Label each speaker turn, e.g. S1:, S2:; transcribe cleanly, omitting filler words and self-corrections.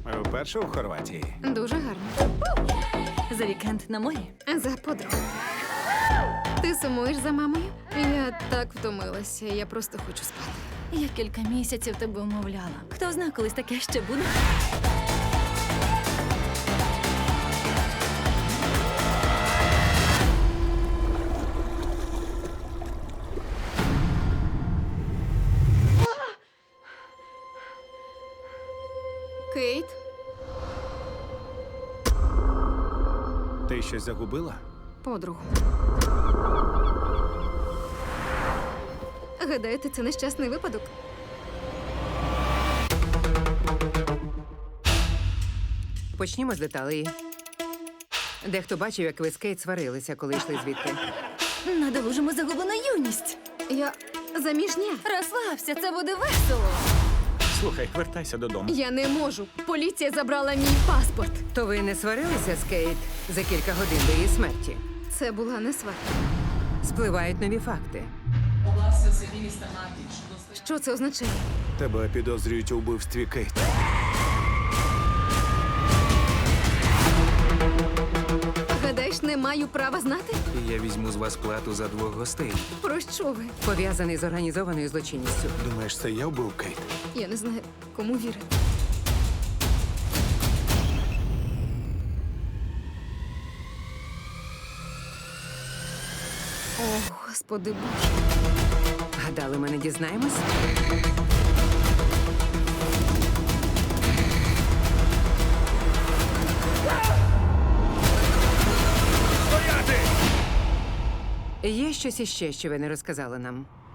S1: Вперше у Хорватії.
S2: Дуже гарно.
S3: За вікенд на морі.
S2: За подругу. Ти сумуєш за мамою? Я так втомилася, я просто хочу спати.
S3: Я кілька місяців тебе умовляла. Хто зна, колись таке ще буде.
S2: Кейт?
S1: Ти щось загубила?
S2: Подругу. Гадаєте, це нещасний випадок?
S4: Почнімо з деталей. Дехто бачив, як ви з Кейт сварилися, коли йшли звідти.
S3: Надолужимо загублену юність.
S2: Я заміжня.
S3: Розслабся, це буде весело.
S1: Слухай, вертайся додому.
S2: Я не можу. Поліція забрала мій паспорт.
S4: То ви не сварилися з Кейт за кілька годин до її смерті?
S2: Це була не сварка.
S4: Спливають нові факти.
S2: Що це означає?
S1: Тебе підозрюють у вбивстві Кейт.
S2: Гадаєш, не маю права знати?
S5: Я візьму з вас плату за 2 гостей.
S2: Про що ви?
S4: Пов'язаний з організованою злочинністю.
S1: Думаєш, це я вбив Кейт?
S2: Я не знаю, кому вірити. О, Господи Боже.
S4: Гадали, ми не дізнаємось? Є щось іще, що ви не розказали нам?